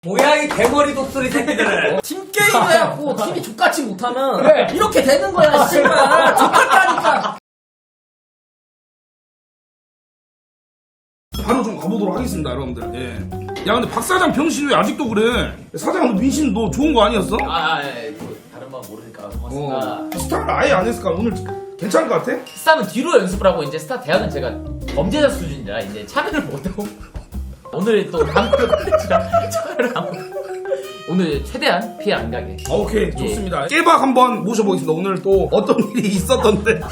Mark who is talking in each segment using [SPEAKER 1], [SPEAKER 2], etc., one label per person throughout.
[SPEAKER 1] 뭐야 이 대머리 독수리 새끼들.
[SPEAKER 2] 팀 게임을 해갖고 팀이 족같이 못하면 그래. 이렇게 되는 거야 씨발. 족같다니까.
[SPEAKER 3] 바로 좀 가보도록 하겠습니다, 여러분들. 예. 야, 근데 박 사장 병신 왜 아직도 그래? 사장, 너 민신 너 좋은 거 아니었어?
[SPEAKER 2] 다른 건 모르니까 고맙습니다.
[SPEAKER 3] 스타를 아예 안 했을까? 오늘 괜찮을 것 같아?
[SPEAKER 2] 스타는 뒤로 연습을 하고 이제 스타 대학은 제가 범죄자 수준이라 이제 참여를 못하고 오늘 또 다음 콘텐츠랑 참여를 하고 오늘 최대한 피해 안 가게.
[SPEAKER 3] 오케이, 좋습니다. 깨박 한번 모셔보겠습니다. 오늘 또 어떤 일이 있었던데.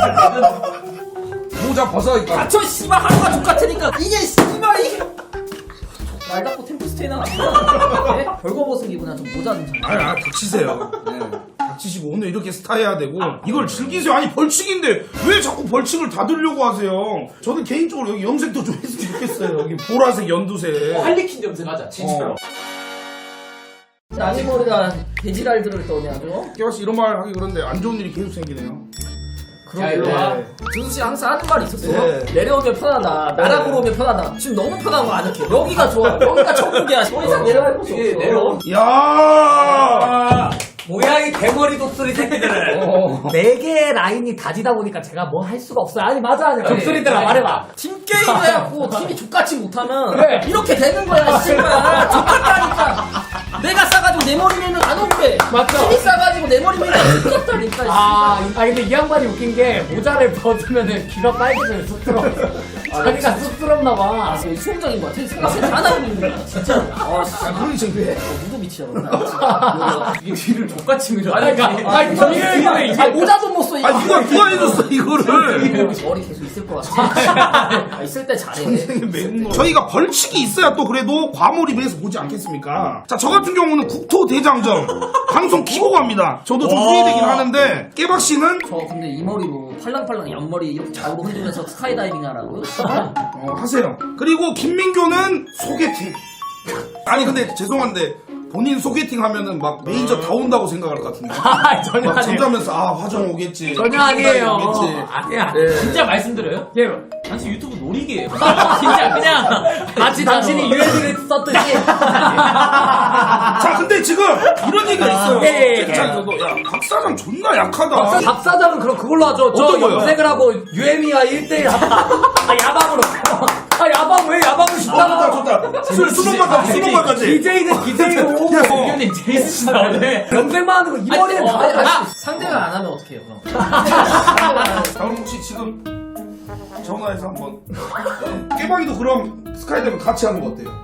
[SPEAKER 3] 모자 벗어야겠다.
[SPEAKER 2] 닥쳐 씨발 하루가 족같으니까 이게 씨발 이게 날 닦고 템플스테이나 네? 벌거벗은 기분이야. 좀 모자 좀 잘.
[SPEAKER 3] 닥치세요. 네. 닥치시고 오늘 이렇게 스타 해야 되고 이걸 즐기세요. 아니 벌칙인데 왜 자꾸 벌칙을 다 들려고 하세요? 저는 개인적으로 여기 염색도 좀 했으면 좋겠어요. 여기 보라색 연두색.
[SPEAKER 2] 할리퀸 염색 하자 진짜로. 나니 머리가 돼지랄들을 떠네 아주.
[SPEAKER 3] 깨박씨 이런 말 하기 그런데 안 좋은 일이 계속 생기네요.
[SPEAKER 2] 그러게요. 준수씨 항상 하는 말이 있었어.
[SPEAKER 3] 네.
[SPEAKER 2] 내려오면 편하다. 나락으로 오면 편하다. 지금 너무 편한 거 아니야? 여기가 좋아. 여기가 천국이야. 더 이상 내려갈 곳이 없어. 내려오.
[SPEAKER 3] 야.
[SPEAKER 1] 뭐야 이 대머리 독수리 새끼들. 네 개의 라인이 다지다 보니까 제가 뭐 할 수가 없어요. 아니 맞아 아니 독수리들아 말해봐.
[SPEAKER 2] 팀 게임을 해갖고 팀이 족같이 못하면 그래. 이렇게 되는 거야 씨발. 족같다니까. 내가 싸가지고 내 머리 밀면 안 오게. 맞죠? 팀이 싸가지고 내 머리 밀면 족같다니까.
[SPEAKER 1] 근데 이 양반이 웃긴 게 모자를 벗으면은 귀가 빨개져요. 쑥스러워. 자기가 쑥스럽나 봐.
[SPEAKER 2] 수용적인 거 같아. 생각해 다 나오고 있는 거야. 진짜.
[SPEAKER 3] 그러기 창피해.
[SPEAKER 2] 누구 미치야. 이게 귀를 족같이 밀어. 아니 모자 좀 못 써. 이거.
[SPEAKER 3] 누가 해줬어 이거를.
[SPEAKER 2] 머리 계속 있을 것 같아. 있을 때 잘해.
[SPEAKER 3] 저희가 벌칙이 있어야 또 그래도 과몰입해서 보지 않겠습니까? 자, 저 같은 경우는 국토대장정 방송 키고 갑니다. 저도 좀 후회되긴 하는데 깨박 씨는
[SPEAKER 2] 저 근데 이 머리로 팔랑팔랑 옆머리 이렇게 좌우로 흔들면서 스카이다이빙 하라고요?
[SPEAKER 3] 하세요. 그리고 김민교는 소개팅. 아니 근데 죄송한데 본인 소개팅 하면은 막 매니저 다 온다고 생각할 것 같은데.
[SPEAKER 1] 전혀
[SPEAKER 3] 막
[SPEAKER 1] 아니에요.
[SPEAKER 3] 잠자면서 화정 오겠지.
[SPEAKER 1] 전혀 아니에요.
[SPEAKER 3] 오겠지.
[SPEAKER 1] 아니야.
[SPEAKER 4] 진짜 말씀드려요?
[SPEAKER 1] 예.
[SPEAKER 4] 당신 유튜브 놀이기예요. 진짜 그냥
[SPEAKER 1] 마치 당신이 유해들을 썼듯이.
[SPEAKER 3] 자, 근데 지금 이런 얘기가 있어요.
[SPEAKER 1] 예.
[SPEAKER 3] 채팅창에서도 야, 박 사장 존나 약하다.
[SPEAKER 1] 박 사장은 그럼 그걸로 하죠. 저
[SPEAKER 3] 어떤 거요?
[SPEAKER 1] 염색을 하고 유해미와 1대1 야방으로. 야방 왜 야방을
[SPEAKER 3] 좋다,
[SPEAKER 1] 싶다.
[SPEAKER 3] 좋다. 수능만까지.
[SPEAKER 1] DJ는 DJ로.
[SPEAKER 4] 의견이 제일 쓰시다 오늘.
[SPEAKER 1] 염색만 하는 거 이 머리는 다 할 수 있어.
[SPEAKER 2] 상대가 안 하면 어떡해요 그럼?
[SPEAKER 3] 자, 그럼 혹시 지금 전화해서 한번 깨방이도 그럼 스카이다이빙 같이 하는 거 어때요?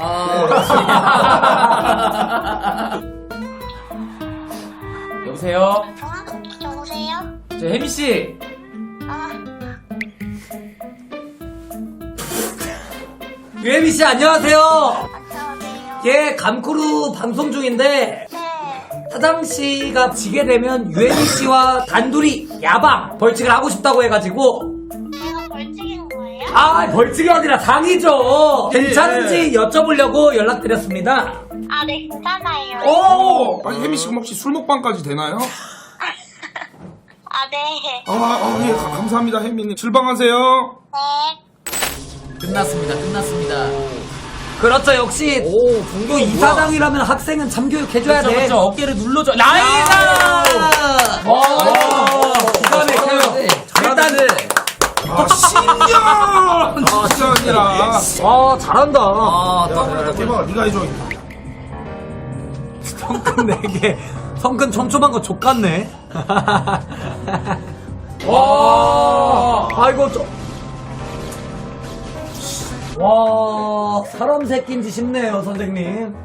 [SPEAKER 4] 여보세요?
[SPEAKER 5] 여보세요?
[SPEAKER 4] 저 혜미 씨.
[SPEAKER 1] 유해미 씨 안녕하세요.
[SPEAKER 5] 안녕하세요.
[SPEAKER 1] 예, 감크루 방송 중인데
[SPEAKER 5] 네.
[SPEAKER 1] 사장 씨가 지게 되면 유해미 씨와 단둘이 야방 벌칙을 하고 싶다고 해가지고
[SPEAKER 5] 제가 벌칙인 거예요?
[SPEAKER 1] 벌칙이 아니라 상이죠. 괜찮은지 여쭤보려고 연락드렸습니다.
[SPEAKER 5] 아, 네, 괜찮아요.
[SPEAKER 3] 아니 혜미 씨 그럼 혹시 술 먹방까지 되나요?
[SPEAKER 5] 아, 네.
[SPEAKER 3] 예, 감사합니다 혜미님. 출방하세요.
[SPEAKER 5] 네.
[SPEAKER 2] 끝났습니다.
[SPEAKER 1] 그렇죠. 역시 또 이사장이라면 학생은 참교육 해줘야 돼.
[SPEAKER 4] 그렇죠. 어깨를 눌러줘. 나이다!
[SPEAKER 1] 기가 막혀요.
[SPEAKER 2] 일단은
[SPEAKER 3] 신기한 진짜 아니라.
[SPEAKER 1] 잘한다.
[SPEAKER 3] 대박, 네가 해줘.
[SPEAKER 1] 성근 4개. 성근 촘촘한 거 족같네. 아이고, 사람 새끼인지 싶네요, 선생님.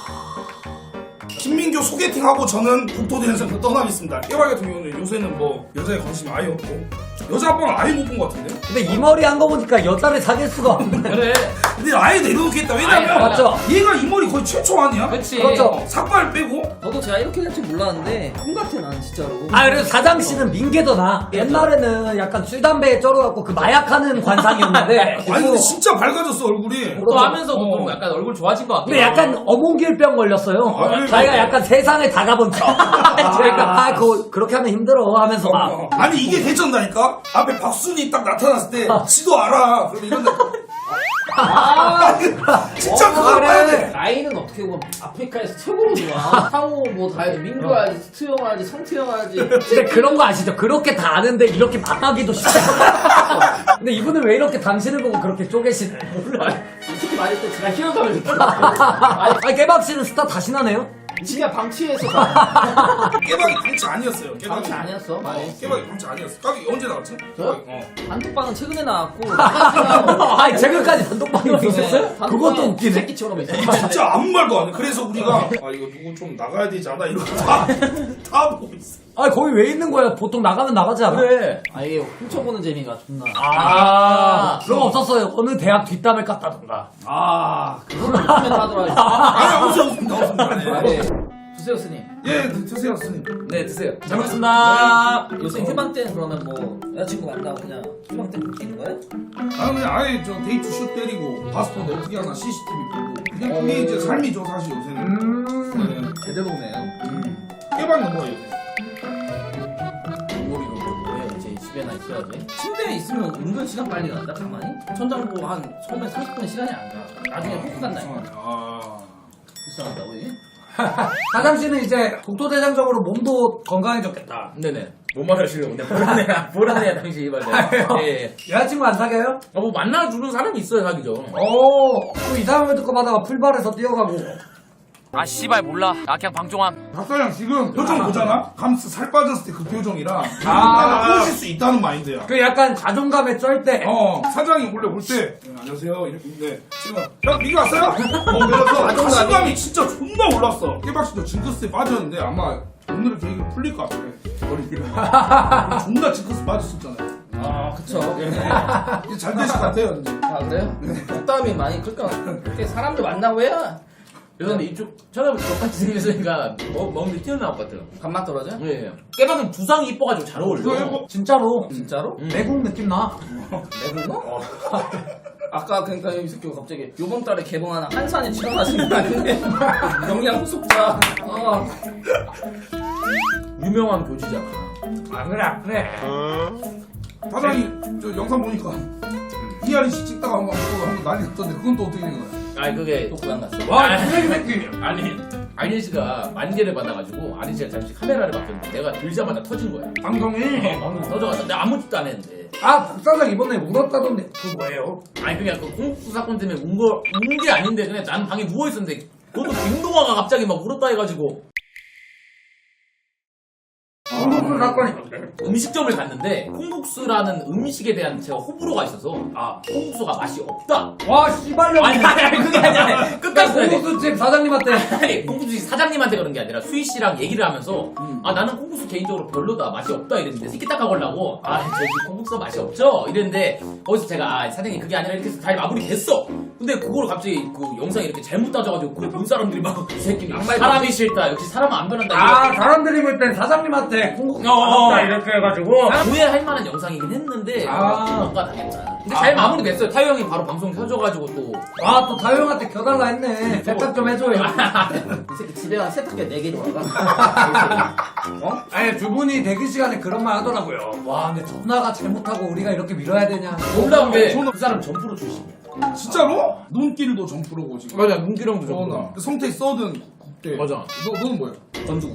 [SPEAKER 3] 김민교 소개팅하고 저는 국토대장정 떠나겠습니다. 깨발 같은 경우는 요새는 뭐 여자에 관심이 아예 없고 여자 합방을 아예 못 본 것 같은데?
[SPEAKER 1] 근데 이 머리 한 거 보니까 여자를 사귈 수가 없네.
[SPEAKER 4] 그래.
[SPEAKER 3] 근데 아예 내려놓겠다. 왜냐면
[SPEAKER 1] 맞죠?
[SPEAKER 3] 얘가 이 머리 거의 최초 아니야?
[SPEAKER 4] 그치.
[SPEAKER 1] 그렇죠.
[SPEAKER 3] 삭발 빼고
[SPEAKER 2] 저도 제가 이렇게 될 줄 몰랐는데 형 같아 난 진짜로.
[SPEAKER 1] 그래도 사장 씨는 민계도 나. 옛날에는 약간 술 담배에 쩔어갖고 그 마약하는 관상이었는데.
[SPEAKER 3] 아니 근데 진짜 밝아졌어 얼굴이.
[SPEAKER 4] 또 하면서도 좀 약간 얼굴 좋아진 것 같고.
[SPEAKER 1] 근데 약간 어몽길병 걸렸어요.
[SPEAKER 3] 그래.
[SPEAKER 1] 자기가 약간 세상에 다 가본 척. 그러니까 그렇게 하면 힘들어 하면서 막.
[SPEAKER 3] 아니 이게 대전다니까? 앞에 박순이 딱 나타났을 때 지도 알아. 그럼 이런데 진짜 그걸 봐야 돼.
[SPEAKER 2] 라인은 어떻게 보면 아프리카에서 최고로 좋아. 상호 뭐 다 해야지. 민규 해야지, 스투 형 해야지, 성태 형 해야지.
[SPEAKER 1] 근데 그런 거 아시죠? 그렇게 다 아는데 이렇게 만나기도 쉽지 않아. 근데 이분은 왜 이렇게 당신을 보고 그렇게 쪼개시네? 몰라.
[SPEAKER 2] 솔직히 말할 때 제가 희열감을 느껴.
[SPEAKER 1] 아니, 깨박 씨는 스타 다시 나네요?
[SPEAKER 2] 지가 방치해서
[SPEAKER 3] 깨박이 방치 아니었어요.
[SPEAKER 2] 방치 아니었어.
[SPEAKER 3] 깨박이 방치 아니었어. 까기 언제 나왔지?
[SPEAKER 2] 저요?
[SPEAKER 3] 어.
[SPEAKER 2] 단톡방은 최근에 나왔고.
[SPEAKER 1] 아니, 최근까지 단독방이 있었어요? 그것도 웃기네.
[SPEAKER 2] 새끼처럼 있어.
[SPEAKER 3] 진짜 아무 말도 안 해. 그래서 우리가 아 이거 누구 좀 나가야 되지 않아? 이러고 다 보고 있어.
[SPEAKER 1] 아니, 거기 왜 있는 거야? 보통 나가면 나가지 않아?
[SPEAKER 4] 그래.
[SPEAKER 2] 아예 훔쳐보는 재미가 존나.
[SPEAKER 1] 그런 거 없었어요. 어느 대학 뒷담을 깠다던가.
[SPEAKER 2] 그거는 요즘에 하더라.
[SPEAKER 3] 아니 없습니다.
[SPEAKER 2] 네. 주세요 스님.
[SPEAKER 3] 예 드세요 스님.
[SPEAKER 4] 네, 드세요. 잘 먹겠습니다.
[SPEAKER 2] 요새 휴방 때는 그러면 뭐 여자친구 만나고 그냥 휴방 때 웃기는 거야?
[SPEAKER 3] 아 그냥 아예 저 데이트 슛 때리고 파스포드 어떻게 하나 CCTV 보고 그냥 그게 이제 삶이죠 사실 요새는. 네.
[SPEAKER 2] 제대로 오네요.
[SPEAKER 3] 깨박은 뭐예요?
[SPEAKER 2] 요리로 뭐해 이제 집에나 있어야지. 침대에 있으면 은근 시간 빨리 간다 가만히. 천장보 한 처음에 30분의 시간이 안 가. 나중에 호흡 간다니까.
[SPEAKER 3] 아
[SPEAKER 2] 불쌍하다고 이게?
[SPEAKER 1] 사장 씨는 이제 국토대장적으로 몸도 건강해졌겠다.
[SPEAKER 4] 네네. 뭐 말하시려고. 네, 보라네야, 당시 이 말이야. 예.
[SPEAKER 1] 여자친구 안 사겨요?
[SPEAKER 4] 뭐 만나주는 사람이 있어야 사귀죠.
[SPEAKER 1] 또 이상한 거 하다가 풀발에서 뛰어가고.
[SPEAKER 4] 아, 씨발, 몰라. 나 그냥 방종함.
[SPEAKER 3] 박사장 지금 표정 보잖아? 감스 살 빠졌을 때 그 표정이랑 나는 꼬실 수 있다는 마인드야.
[SPEAKER 1] 그 약간 자존감에 쩔 때.
[SPEAKER 3] 사장이 원래 볼 때 안녕하세요 이렇게 있는데 지금 야 민규 왔어요? 그래서 자신감이 진짜 존나 올랐어. 깨박씨도 징크스에 빠졌는데 아마 오늘 계획이 풀릴 것 같아. 머리가 존나 징크스 빠졌었잖아요.
[SPEAKER 2] 아 그쵸.
[SPEAKER 3] 이제 잘 되실 것 같아요 이제.
[SPEAKER 2] 아 그래요? 속담이 많이 클까? 그렇게 사람들 만나고 해야
[SPEAKER 4] 그런데 이쪽 쳐다보면 똑같이 생겼으니까 먹는데 튀어나올 것 같아요.
[SPEAKER 2] 간맛 떨어져?
[SPEAKER 4] 예. 깨박은 두상이 이뻐가지고 잘 어울려.
[SPEAKER 1] 진짜로.
[SPEAKER 2] 진짜로?
[SPEAKER 1] 내국 느낌 나.
[SPEAKER 2] 내부노? 아까 그러니까 이 새끼가 갑자기 요번 달에 개봉하는 한산에 출연하시는 거 아닌데 영양 후속자.
[SPEAKER 4] 유명한 교주잖아.
[SPEAKER 1] 그래.
[SPEAKER 3] 사장이 저 영상 보니까 이하리 씨 찍다가 한번 난리 났던데 그건 또 어떻게 된 거야?
[SPEAKER 4] 아니, 그게.
[SPEAKER 2] 또 고향 갔어.
[SPEAKER 1] 와, 쓰레기 새끼.
[SPEAKER 4] 아니, 아니 씨가 만개를 받아가지고 아니 씨가 잠시 카메라를 봤더니 내가 들자마자 터진 거야.
[SPEAKER 1] 방송이.
[SPEAKER 4] 방금 터져가지고 내가 아무 짓도 안 했는데.
[SPEAKER 1] 박사장 이번에 울었다던데. 그거 뭐예요?
[SPEAKER 4] 아니 그냥 그 공국수 사건 때문에 운 게 아닌데 그냥 난 방에 누워 있었는데 그것도 김동화가 갑자기 막 울었다 해가지고
[SPEAKER 1] 콩국수 사건이.
[SPEAKER 4] 음식점을 갔는데 콩국수라는 음식에 대한 제가 호불호가 있어서 콩국수가 맛이 없다.
[SPEAKER 1] 와, 씨발년.
[SPEAKER 4] 아니 그게 아니야. 끝까지 들어야 돼.
[SPEAKER 1] 콩국수집 사장님한테.
[SPEAKER 4] 아니 콩국수 사장님한테 그런 게 아니라 수희 씨랑 얘기를 하면서 나는 콩국수 개인적으로 별로다 맛이 없다 이랬는데 새끼딱하 걸라고 저기 콩국수 맛이 없죠 이랬는데 거기서 제가 사장님 그게 아니라 이렇게 해서 잘 마무리 됐어. 근데 그걸 갑자기 그 영상이 이렇게 잘못 따져가지고 그걸 본 사람들이 막 이 새끼 사람이 싫다 역시 사람은 안 변한다.
[SPEAKER 1] 사람들이 볼 땐 사장님한테 콩국수
[SPEAKER 4] 어.
[SPEAKER 1] 맛없다 이렇게 해가지고.
[SPEAKER 4] 오해할 만한 영상이긴 했는데 뭔가 당했다. 근데 잘 마무리됐어요. 타요 형이 바로 방송 켜줘가지고 또
[SPEAKER 1] 또 다효형한테 켜달라 했네. 세탁 좀 해줘요.
[SPEAKER 2] 이 새끼 집에 가 세탁기 4개 들어가.
[SPEAKER 1] 아니, 두 분이 대기 시간에 그런 말 하더라고요. 와, 근데 전화가 잘못하고 우리가 이렇게 밀어야 되냐.
[SPEAKER 4] 놀라운 게 그 사람 점프로 출신이야.
[SPEAKER 3] 진짜로? 눈길도 점프로고 지금.
[SPEAKER 4] 맞아 문기령도 점프로.
[SPEAKER 3] 나 성태 써든 국대.
[SPEAKER 4] 맞아.
[SPEAKER 3] 너는 뭐야?
[SPEAKER 2] 건주국.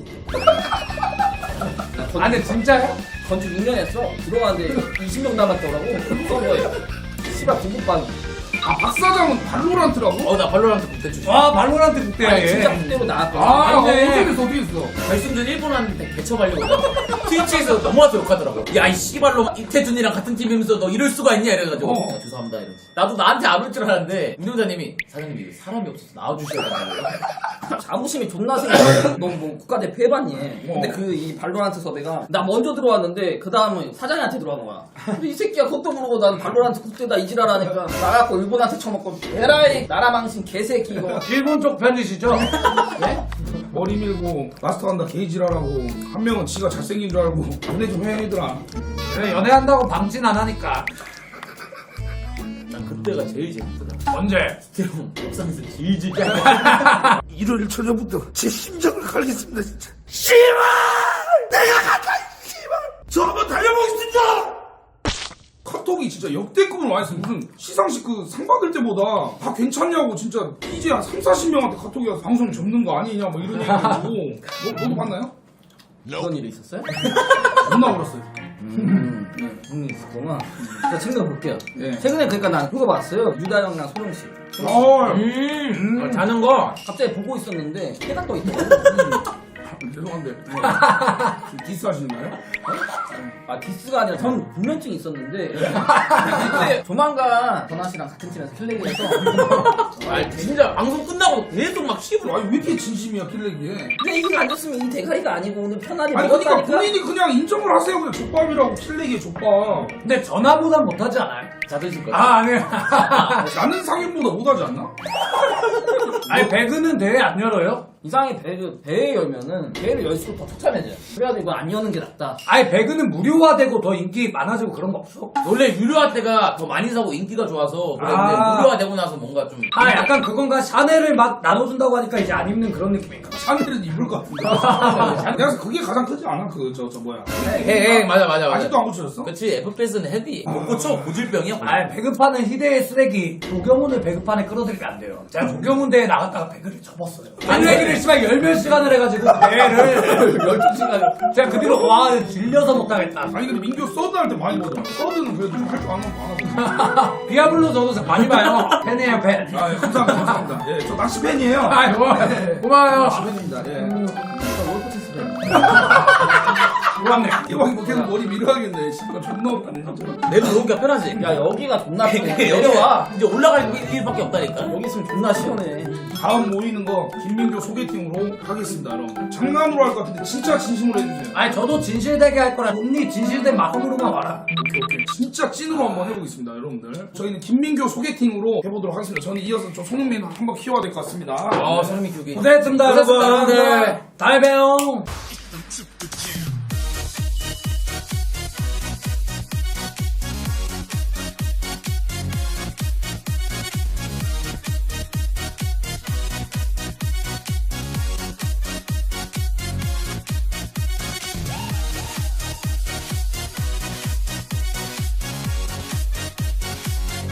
[SPEAKER 1] 근데 진짜요?
[SPEAKER 2] 건축 6년 했어. 들어가는데 20명 남았더라고. 서버에. 씨발 공부방.
[SPEAKER 3] 박 사장은 발로란트라고?
[SPEAKER 4] 나 발로란트 국대 출신.
[SPEAKER 1] 와, 발로란트 국대야.
[SPEAKER 2] 아니 진짜 국대로 나왔거든.
[SPEAKER 1] 맞네.
[SPEAKER 3] 어떻게 했어?
[SPEAKER 4] 결승전 일본한테 개쳐가려고 트위치에서 넘어와서 욕하더라고. 야 이 씨발로 이태준이랑 같은 팀이면서 너 이럴 수가 있냐 이래가지고 야, 죄송합니다 이러지. 나도 나한테 안 올 줄 알았는데 운영자님이 사장님 이거 사람이 없어서 나와주셔야 된다고.
[SPEAKER 2] 자부심이 존나 생겨. 너뭐 국가대표 해봤니? 근데 그 이 발로란트 섭외가 나 먼저 들어왔는데 그 다음은 사장님한테 들어간 거야. 근데 이 새끼가 그것도 모르고 난 발로란트 국대다 이지랄하니까 나가고 일본한테 처먹고 에라이 나라 망신 개새끼 이거.
[SPEAKER 1] 일본 쪽 편이시죠?
[SPEAKER 2] 네?
[SPEAKER 3] 머리 밀고 마스터 간다 게이지라라고 한 명은 지가 잘생긴 줄 알고 연애 좀 해 얘들아.
[SPEAKER 1] 그래, 연애한다고 방진 안 하니까.
[SPEAKER 4] 난 그때가 제일 재밌더라.
[SPEAKER 1] 언제?
[SPEAKER 4] 스테롱 옥상에서 질질 짜.
[SPEAKER 3] 1월 1초부터 제 심장을 갈겠습니다 진짜. 씨발! 내가 간다 씨발! 저 한번 달려보겠습니다! 카톡이 반응이 진짜 역대급으로 많이 했어요. 무슨 시상식 그 상 받을 때보다 다 괜찮냐고 진짜 이제 한 3, 40명한테 카톡이 와서 방송 접는 거 아니냐 뭐 이런 얘기하고 너도 봤나요?
[SPEAKER 2] 그런 일이 있었어요?
[SPEAKER 3] 존나 울었어요.
[SPEAKER 2] 그런 일이 있었구나. 제가 챙겨 볼게요.
[SPEAKER 3] 예.
[SPEAKER 2] 최근에 그러니까 난 그거 봤어요. 유다형이랑 소룡씨.
[SPEAKER 4] 자는 거.
[SPEAKER 2] 갑자기 보고 있었는데 해가 떠 있더라고.
[SPEAKER 3] 죄송한데 디스 하시는가요?
[SPEAKER 2] 아 디스가 아니라 전 불면증이 있었는데 근데 조만간 전화 씨랑 같은 팀에서 킬레기에서
[SPEAKER 4] 아 진짜 방송 끝나고 계속 막 씹으러.
[SPEAKER 3] 아니 왜 이렇게 진심이야 킬레기에?
[SPEAKER 2] 근데 이게 안 좋으면 이 대가리가 아니고 오늘 편하게
[SPEAKER 3] 아니 그러니까
[SPEAKER 2] 먹었다니까.
[SPEAKER 3] 본인이 그냥 인정을 하세요. 그냥 족밥이라고 킬레기에 족밥.
[SPEAKER 1] 근데 전화보단 못하지 않아요?
[SPEAKER 4] 자 드실 거예요.
[SPEAKER 1] 아 아니요.
[SPEAKER 3] 나는 상인보다 못하지 않나?
[SPEAKER 1] 아니 배그는 대회 안 열어요?
[SPEAKER 2] 이상하게 배에 열면은 배를 열수록 더 처참해져요. 그래가지고 이거 안 여는 게 낫다.
[SPEAKER 1] 아니 배그는 무료화되고 더 인기 많아지고 그런 거 없어?
[SPEAKER 4] 원래 유료화 때가 더 많이 사고 인기가 좋아서 그랬는데
[SPEAKER 1] 아.
[SPEAKER 4] 무료화 되고 나서 뭔가 좀.
[SPEAKER 1] 아 약간 그건가? 샤넬을 막 나눠준다고 하니까 이제 안 입는 그런 느낌인가?
[SPEAKER 3] 샤넬은 입을 것 같은데. 내가 그게 가장 크지 않아? 그 저 뭐야?
[SPEAKER 4] 맞아.
[SPEAKER 3] 아직도 안 고쳐졌어?
[SPEAKER 4] 그치 FPS는 헤비. 못 고쳐 고질병이야.
[SPEAKER 1] 아 배급하는 희대의 쓰레기 조경훈을 배급판에 끌어들이면 안 돼요. 제가 조경훈 대회 나갔다가 배그를 접었어요. 배그를 씨발 열몇 시간을 해가지고 대회를 12시간 제가 그 뒤로 와 질려서 못하겠다.
[SPEAKER 3] 아니 근데 민규 서드 할 때 많이 보잖아. 서드는 그래도 좀 할 줄 아는 거 하나
[SPEAKER 1] 비아블로 저도 많이 봐요. 팬이에요 팬.
[SPEAKER 3] 아, 예, 감사합니다. 예, 저 낚시 팬이에요.
[SPEAKER 1] 아 고마워요.
[SPEAKER 3] 낚시 팬입니다. 예.
[SPEAKER 2] 월드체스 배.
[SPEAKER 1] 고맙네.
[SPEAKER 3] 이왕 계속 머리 밀어야겠네. 씨발 존나 없다네 진짜.
[SPEAKER 4] 내도 여기가 편하지.
[SPEAKER 2] 야 여기가 존나 편해.
[SPEAKER 4] 여기와
[SPEAKER 2] 내려와.
[SPEAKER 4] 이제 올라가는 길밖에 없다니까.
[SPEAKER 2] 여기 있으면 존나 시원해.
[SPEAKER 3] 다음 모이는 거 김민규 소개팅으로 하겠습니다, 여러분. 장난으로 할 것 같은데 진짜 진심으로 해주세요.
[SPEAKER 1] 아니 저도 진실되게 할 거라 언니 진실된 마음으로만 와라.
[SPEAKER 3] 오케이. 진짜 찐으로 한번 해보겠습니다, 여러분들. 저희는 김민규 소개팅으로 해보도록 하겠습니다. 저는 이어서 좀 손흥민 한번 키워야 될 것 같습니다.
[SPEAKER 4] 소름이 교기.
[SPEAKER 1] 고생했습니다
[SPEAKER 4] 고생했습니다,
[SPEAKER 1] 여러분.
[SPEAKER 4] 여러분들.
[SPEAKER 1] 다음에 봬요.